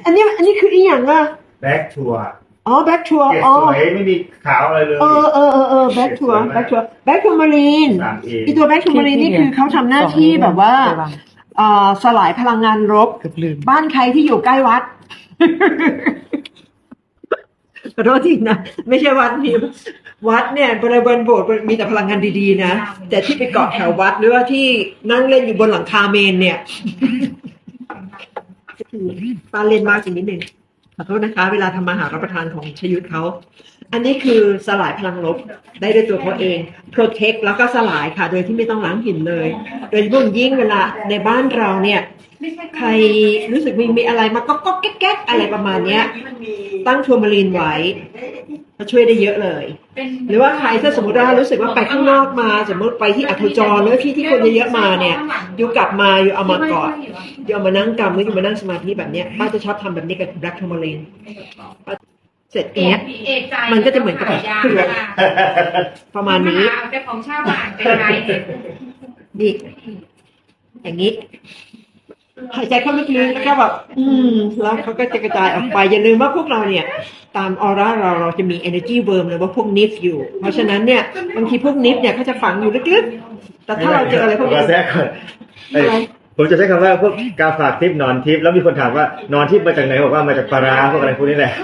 อันนี้คืออีกอย่างอ่ะแบ็กทัวร์อ๋อแบ็กทัวร์เกรดอ๋อสวยไม่มีขาวอะไรเลยแบ็กทัวร์มารีน 3A อีตัวแบ็กทัวร์มารีนนี่คือเขาทำหน้าที่แบบว่าสลายพลังงานลบบ้านใครที่อยู่ใกล้วัด ขอโทษทีนะไม่ใช่วัดนี้วัดเนี่ยบริเวณโบสถ์มีแต่พลังงานดีๆนะแต่ที่ไปเกาะแถววัดหรือว่าที่นั่งเล่นอยู่บนหลังคาเมนเนี่ยป้าเล่นมากจริงนิดนึงขอโทษนะคะเวลาทำอาหารรับประทานของชยุทธเขาอันนี้คือสลายพลังลบได้ด้วยตัวเขาเอง protect แล้วก็สลายค่ะโดยที่ไม่ต้องล้างหินเลยโดยเฉพาะยิ่งเวลาในบ้านเราเนี่ยใครรู้สึกมีอะไรมาก็แก๊กๆอะไรประมาณเนี้ยตั้งทัวร์มารีนไว้ก็ช่วยได้เยอะเลยหรือว่าใครถ้าสมมติว่ารู้สึกว่าไปข้างนอกมาสมมติไปที่อัธจรหรือที่คนเยอะๆมาเนี่ยอยู่กลับมาอยู่เอามากอดอยู่เอามานั่งกำหรืออยู่มานั่งสมาธิแบบเนี้ยป้าจะชอบทำแบบนี้กับแบล็กทัวร์มารีนเสร็จเนี้ยมันก็จะเหมือนกับประมาณนี้เป็นของชาวบ้านเป็นไรนี่อย่างนี้หายใจเข้าลึกๆแล้วก็แบบแล้วเขาก็จะกระจายออกไปอย่าลืมว่าพวกเราเนี่ยตามออร่าเราจะมี energy worm หรือว่าพวกนิฟอยู่เพราะฉะนั้นเนี่ยบางทีพวกนิฟเนี่ยเขาจะฝังอยู่ลึกๆแต่ถ้าเราเจออะไรพวกนี้ผมจะใช้คำว่าพวกกาฝากทิพย์นอนทิพย์แล้วมีคนถามว่านอนทิพย์มาจากไหนบอกว่ามาจากปลาร้าพวกอะไรพวกนี้แหละ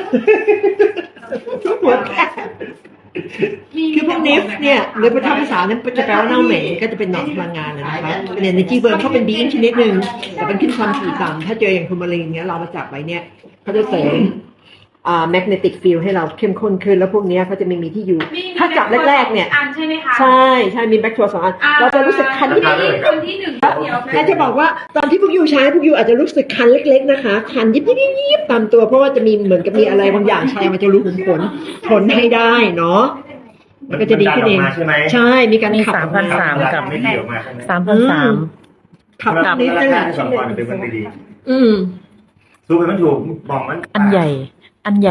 คือพวกนิฟเนี่ยหรือภาษาเนี่ยจะแปลว่าเน่าเหม็นก็จะเป็นหนอนพลังงานนะคะเป็น energy worm เขาเป็น being ชนิดหนึ่งแต่เป็นขึ้นความถี่ต่ำถ้าเจออย่างทูมารีนเนี้ยเรามาจับไว้เนี่ยเขาจะเสริมmagnetic field ให้เราเข้มข้นขึ้นแล้วพวกนี้เขาจะไม่มีที่อยู่ถ้าจับแรกๆเนี่ยอันใช่ไหมคะใช่มีแบคทีเรีย2 อันเราจะรู้สึกคันที่คนที่1เดียวแค่จะบอกว่าตอนที่พวกยูใช้พวกยูอาจจะรู้สึกคันเล็กๆนะคะคันยิบตามตัวเพราะว่าจะมีเหมือนกับมีอะไรบางอย่างใช้มันจะรู้ผลทนให้ได้เนาะมันก็จะดีขึ้นเองใช่มีการขับ 3,300กับ3,300 ขับนิดนึง 2 วันเป็นวันดีสู้ไปมันถูกบอกมันอันใหญ่